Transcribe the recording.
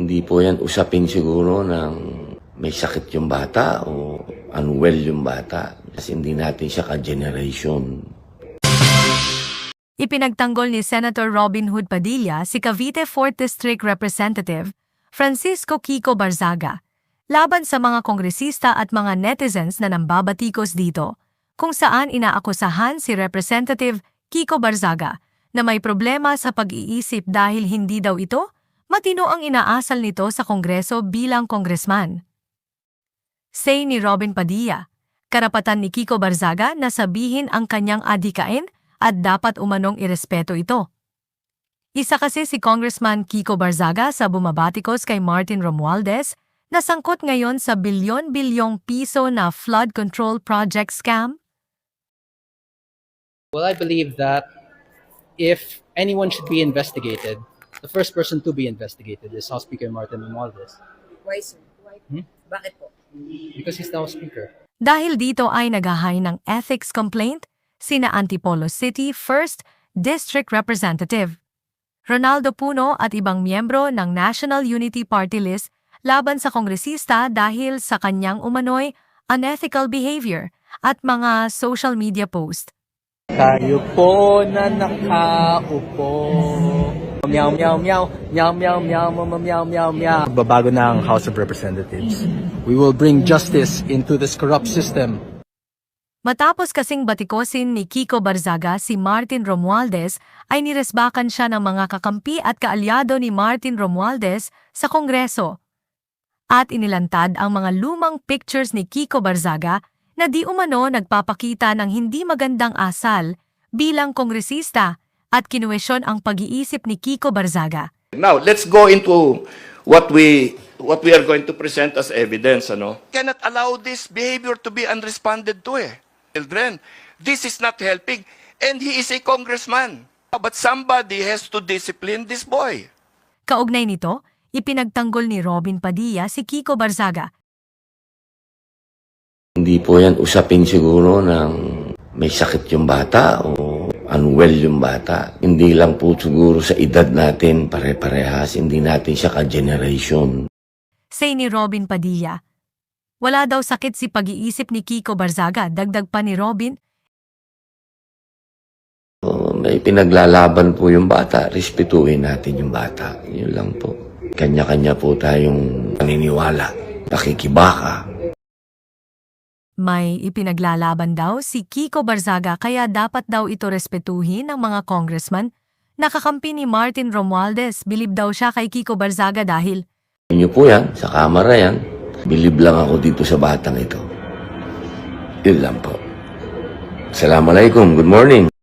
Hindi po yan usapin siguro ng may sakit yung bata o unwell yung bata. Kasi hindi natin siya ka-generation. Ipinagtanggol ni Senator Robin Hood Padilla si Cavite 4th District Representative Francisco Kiko Barzaga laban sa mga kongresista at mga netizens na nambabatikos dito, kung saan inaakusahan si Representative Kiko Barzaga na may problema sa pag-iisip dahil hindi daw ito matino ang inaasal nito sa Kongreso bilang kongresman. Say ni Robin Padilla, karapatan ni Kiko Barzaga na sabihin ang kanyang adhikain at dapat umanong irespeto ito. Isa kasi si Congressman Kiko Barzaga sa bumabatikos kay Martin Romualdez na sangkot ngayon sa bilyon-bilyong piso na flood control project scam. Well, I believe that if anyone should be investigated, the first person to be investigated is House Speaker Martin Romualdez. Why, sir? Bakit po? Because he's now Speaker. Dahil dito ay naghahay ng ethics complaint sina Antipolo City 1st District Representative Ronaldo Puno at ibang miyembro ng National Unity Party List laban sa kongresista dahil sa kanyang umano'y unethical behavior at mga social media post. Tayo po na nakaupo. Meow, meow, meow, meow, meow, meow, meow, meow, meow, meow. Babago na ang House of Representatives. We will bring justice into this corrupt system. Matapos kasing batikosin ni Kiko Barzaga si Martin Romualdez ay niresbakan siya ng mga kakampi at kaalyado ni Martin Romualdez sa Kongreso. At inilantad ang mga lumang pictures ni Kiko Barzaga na di umano nagpapakita ng hindi magandang asal bilang kongresista at kinuwesyon ang pag-iisip ni Kiko Barzaga. Now, let's go into what we are going to present as evidence. Cannot allow this behavior to be unresponded to. Children, this is not helping. And he is a congressman. But somebody has to discipline this boy. Kaugnay nito, ipinagtanggol ni Robin Padilla si Kiko Barzaga. Hindi po yan usapin siguro ng may sakit yung bata o unwell yung bata. Hindi lang po siguro sa edad natin pare-parehas. Hindi natin siya ka-generation. Say ni Robin Padilla, wala daw sakit si pag-iisip ni Kiko Barzaga, dagdag pa ni Robin. May pinaglalaban po yung bata, respetuhin natin yung bata. Yun lang po. Kanya-kanya po tayong paniniwala, pakikibaka. May ipinaglalaban daw si Kiko Barzaga kaya dapat daw ito respetuhin ng mga congressman. Nakakampi ni Martin Romualdez, bilib daw siya kay Kiko Barzaga dahil Inyo po yan, sa kamera yan. Bilib lang ako dito sa batang ito. Yun lang po. Assalamualaikum. Good morning.